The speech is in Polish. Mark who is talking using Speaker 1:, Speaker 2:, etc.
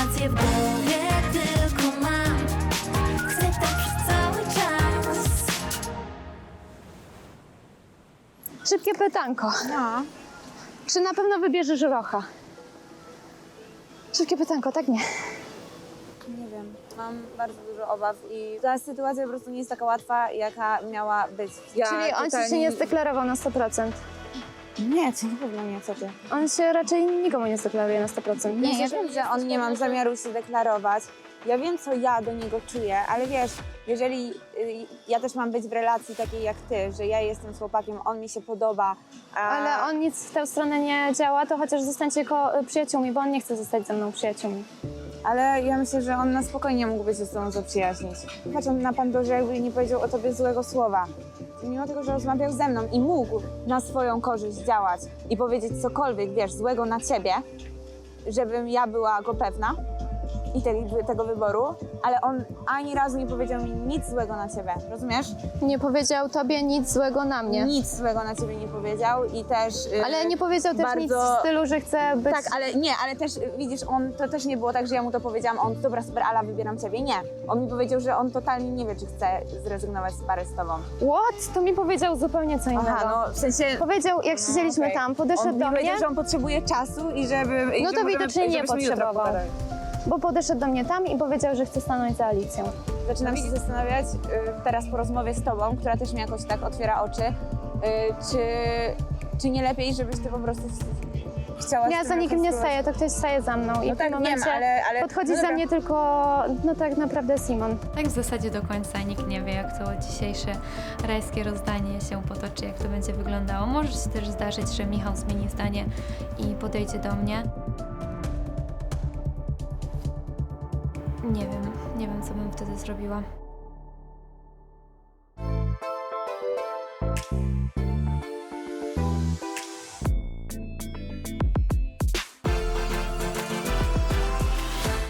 Speaker 1: Informacje w głowie tylko mam. Chcę tak przez cały czas.
Speaker 2: Szybkie pytanko.
Speaker 3: No.
Speaker 2: Czy na pewno wybierzesz Rocha? Szybkie pytanko, tak nie.
Speaker 3: Nie wiem, mam bardzo dużo obaw i ta sytuacja po prostu nie jest taka łatwa, jaka miała być.
Speaker 2: Czyli on ci się nie zdeklarował na 100%.
Speaker 3: Nie, to na pewno nie, co ty.
Speaker 2: On się raczej nikomu nie zdeklaruje na 100%.
Speaker 3: Nie, ja wiem, że on nie mam zamiaru się deklarować. Ja wiem, co ja do niego czuję, ale wiesz, jeżeli ja też mam być w relacji takiej jak ty, że ja jestem z chłopakiem, on mi się podoba.
Speaker 2: Ale on nic w tę stronę nie działa, to chociaż zostańcie przyjaciółmi, bo on nie chce zostać ze mną przyjaciółmi.
Speaker 3: Ale ja myślę, że on na spokojnie mógłby się z tobą zaprzyjaźnić. Patrząc na Pandorze, jakby nie powiedział o tobie złego słowa. Mimo tego, że rozmawiał ze mną i mógł na swoją korzyść działać i powiedzieć cokolwiek, wiesz, złego na ciebie, żebym ja była go pewna i tego wyboru, ale on ani razu nie powiedział mi nic złego na ciebie, rozumiesz?
Speaker 2: Nie powiedział tobie nic złego na mnie.
Speaker 3: Nic złego na ciebie nie powiedział i też...
Speaker 2: Ale nie powiedział też nic w stylu, że chce być...
Speaker 3: Tak, ale też, widzisz, to też nie było tak, że ja mu to powiedziałam, on, dobra, super, Ala, wybieram ciebie. Nie. On mi powiedział, że on totalnie nie wie, czy chce zrezygnować z pary z tobą.
Speaker 2: What? To mi powiedział zupełnie co innego.
Speaker 3: Aha, no w sensie...
Speaker 2: Powiedział, jak siedzieliśmy
Speaker 3: okej.
Speaker 2: tam, podeszedł
Speaker 3: On
Speaker 2: do
Speaker 3: mi
Speaker 2: mnie,
Speaker 3: powiedział, że on potrzebuje czasu i żeby...
Speaker 2: No to widocznie nie
Speaker 3: żebyśmy jutro
Speaker 2: potrzebował.
Speaker 3: pogadali.
Speaker 2: bo podeszedł do mnie tam i powiedział, że chce stanąć za Alicją.
Speaker 3: Zaczynam się zastanawiać teraz po rozmowie z tobą, która też mi jakoś tak otwiera oczy, czy nie lepiej, żebyś ty po prostu chciała...
Speaker 2: Ja za nikim nie staję, to ktoś staje za mną i w tym
Speaker 3: tak,
Speaker 2: momencie
Speaker 3: wiem, ale
Speaker 2: podchodzi
Speaker 3: no
Speaker 2: za
Speaker 3: dobra.
Speaker 2: mnie tylko, no tak naprawdę Simon.
Speaker 4: Tak w zasadzie do końca nikt nie wie, jak to dzisiejsze rajskie rozdanie się potoczy, jak to będzie wyglądało. Może się też zdarzyć, że Michał zmieni zdanie i podejdzie do mnie. Nie wiem, co bym wtedy zrobiła.